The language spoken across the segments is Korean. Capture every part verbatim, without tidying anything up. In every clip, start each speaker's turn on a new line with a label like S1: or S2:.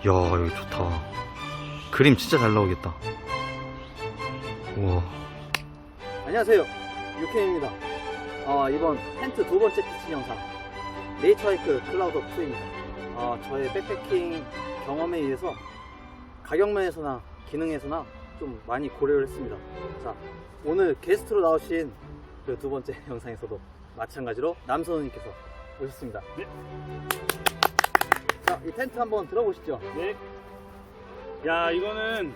S1: 여기 좋다. 그림 진짜 잘 나오겠다. 우와. 안녕하세요, 유케이입니다. 어, 이번 텐트 두 번째 피칭 영상 네이처하이크 클라우드 투입니다. 어, 저의 백패킹 경험에 의해서 가격면에서나 기능에서나 좀 많이 고려를 했습니다. 자, 오늘 게스트로 나오신 그 두 번째 영상에서도 마찬가지로 남선우님께서 오셨습니다.
S2: 네.
S1: 자, 이 텐트 한번 들어보시죠.
S2: 네. 야, 이거는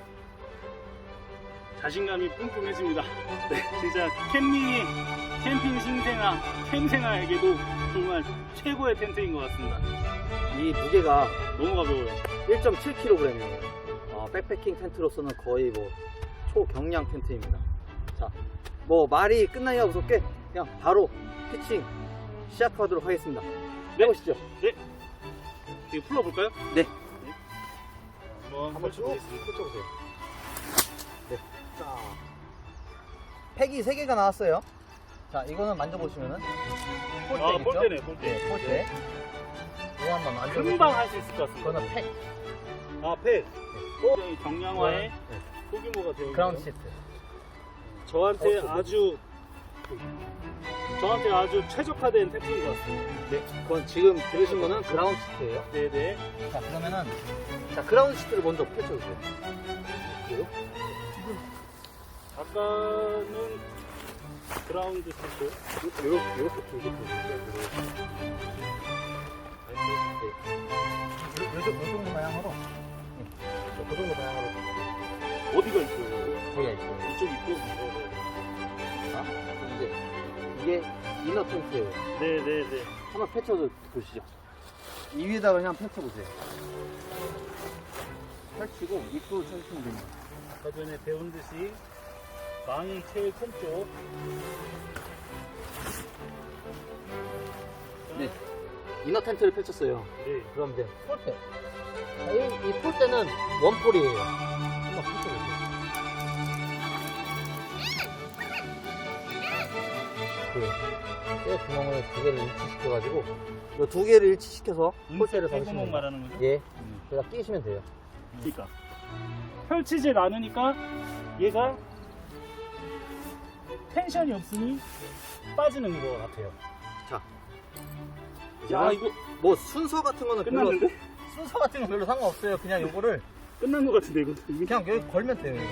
S2: 자신감이 뿜뿜해집니다. 네, 진짜 캠핑이 캠핑 신생아, 캠생아에게도 정말 최고의 텐트인 것 같습니다.
S1: 이 무게가
S2: 너무 가벼워요.
S1: 일 점 칠 킬로그램이에요. 어, 백패킹 텐트로서는 거의 뭐 초경량 텐트입니다. 자, 뭐 말이 끝나기가 무섭게 그냥 바로 피칭 시작하도록 하겠습니다.
S2: 네.
S1: 해보시죠.
S2: 네. 이거 풀어볼까요?
S1: 네.
S2: 네. 한번
S1: 한번 쭉
S2: 펼쳐보겠습니다.
S1: 펼쳐보세요. 네. 자, 팩이 세 개가 나왔어요. 자, 이거는 만져보시면은 폴대겠죠?
S2: 아, 폴대네, 폴대.
S1: 네, 폴대. 이거 한번 만져보시면
S2: 금방 할 수 있을 것 같습니다.
S1: 이거는 팩.
S2: 아, 팩. 굉장히 경량화의
S1: 네.
S2: 소규모가 되어 있는
S1: 그라운드 시트.
S2: 저한테
S1: 어,
S2: 아주 저한테 아주 최적화된 텐트인 것 같습니다.
S1: 네. 그건 지금 들으신 거는 그라운드 시트예요.
S2: 네네.
S1: 자, 그러면은 자, 그라운드 시트를 먼저 펼쳐주세요. 그리고
S2: 아까는 그라운드 시트.
S1: 이렇게 이렇게 이렇게 펼쳐주세요. 요 정도 방향으로. 네. 그 정도 방향으로.
S2: 어디가 있어요?
S1: 거기가 있어요.
S2: 이쪽 있고. 네네.
S1: 자, 이제 이게 이너 텐트예요.
S2: 네네네.
S1: 한번 펼쳐서 보시죠. 이 위에다가 그냥 펼쳐보세요. 펼치고 입구를 쳐주시면 됩니다.
S2: 아까 전에 배운 듯이 망이 제일 큰 쪽.
S1: 네. 이너 텐트를 펼쳤어요.
S2: 네.
S1: 그럼 이제 폴대. 자, 이, 이 폴대는 원폴이에요. 한번 펼쳐보세요. 그, 쇠 구멍을 두 개를 일치시켜가지고, 이 두 개를 일치시켜서 폴대를
S2: 음색
S1: 잡으시면
S2: 구멍
S1: 돼요.
S2: 말하는 거죠?
S1: 예.
S2: 음.
S1: 여기다 끼시면 돼요.
S2: 그러니까 펼치질 않으니까 얘가 텐션이 없으니 빠지는 것 같아요.
S1: 자.
S2: 야, 이거
S1: 뭐 순서 같은 거는 별로,
S2: 끝났는데?
S1: 순서 같은 건 별로 상관없어요. 그냥 요거를
S2: 끝난 것 같은데 이거.
S1: 그냥 여기 걸면 돼요.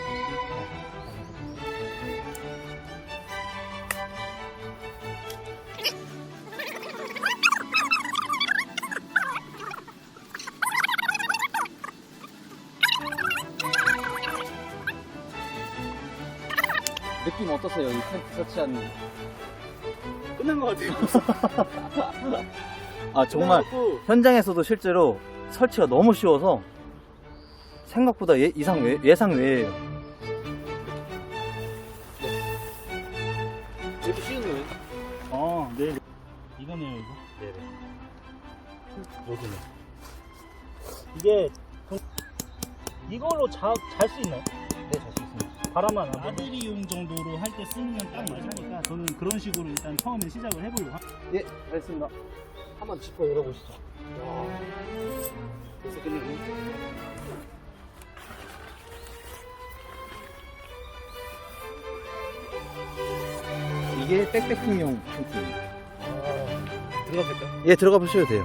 S1: 느낌 어떠세요? 이 텐트 설치한.
S2: 끝난 것 같아요.
S1: 아, 정말
S2: 끝나갖고
S1: 현장에서도 실제로 설치가 너무 쉬워서 생각보다 예, 이상 외, 예상 외예요. 이렇게 쉬운 거예요?
S2: 어, 네. 이거네요, 이거.
S1: 네네.
S2: 여기네. 이게 이걸로 잘 수 있나요?
S1: 네, 잘 수 있습니다.
S2: 바람만 안 나들이용 정도로 할 때 쓰면 딱 맞으니까 저는 그런 식으로 일단 처음에 시작을 해보려고 합니다.
S1: 예, 알겠습니다. 한번 짚어 열어보시죠.
S2: 벌써 끝났네.
S1: 이게 백패킹용 텐트입니다.
S2: 아, 들어갔을까요?
S1: 예, 들어가 보셔도 돼요.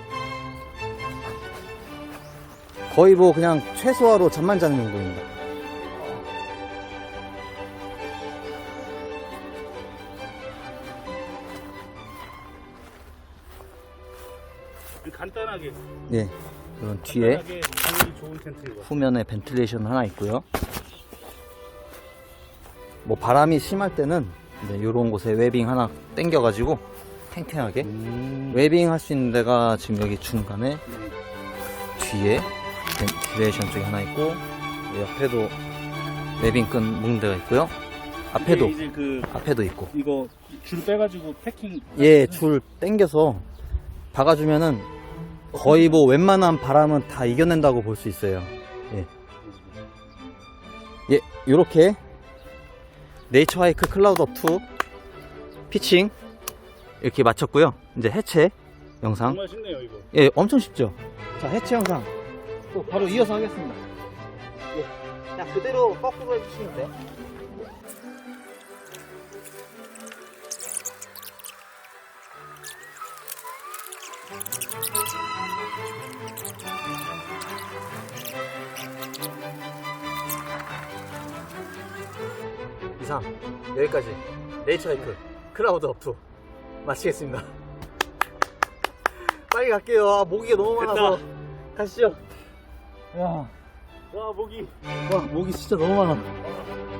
S1: 거의 뭐 그냥 최소화로 잠만 자는 용도입니다.
S2: 간단하게.
S1: 예, 이런 뒤에
S2: 간단하게 당연히 좋은 텐트인 것 같아요.
S1: 후면에 벤틸레이션 하나 있고요. 뭐 바람이 심할 때는 이제 이런 곳에 웨빙 하나 당겨가지고 탱탱하게
S2: 음.
S1: 웨빙 할 수 있는 데가 지금 여기 중간에 뒤에 벤틸레이션 쪽에 하나 있고 옆에도 웨빙 끈 묶는 데가 있고요. 앞에도
S2: 이게 이제 그
S1: 앞에도 있고.
S2: 이거 줄 빼가지고 패킹.
S1: 예, 줄 당겨서 박아주면은 거의 뭐 웬만한 바람은 다 이겨낸다고 볼 수 있어요. 예. 예, 요렇게 네이처하이크 클라우드 투 피칭 이렇게 마쳤고요. 이제 해체 영상.
S2: 정말 쉽네요 이거.
S1: 예, 엄청 쉽죠. 자, 해체 영상 또 바로 이어서 하겠습니다. 예. 그냥 그대로 거꾸로 해주시면 돼요. 이상 여기까지 네이처하이크 클라우드 업투 마치겠습니다. 빨리 갈게요. 아, 모기가 너무 많아서. 가시죠. 야,
S2: 와, 목이.
S1: 와, 모기 진짜 너무 많아.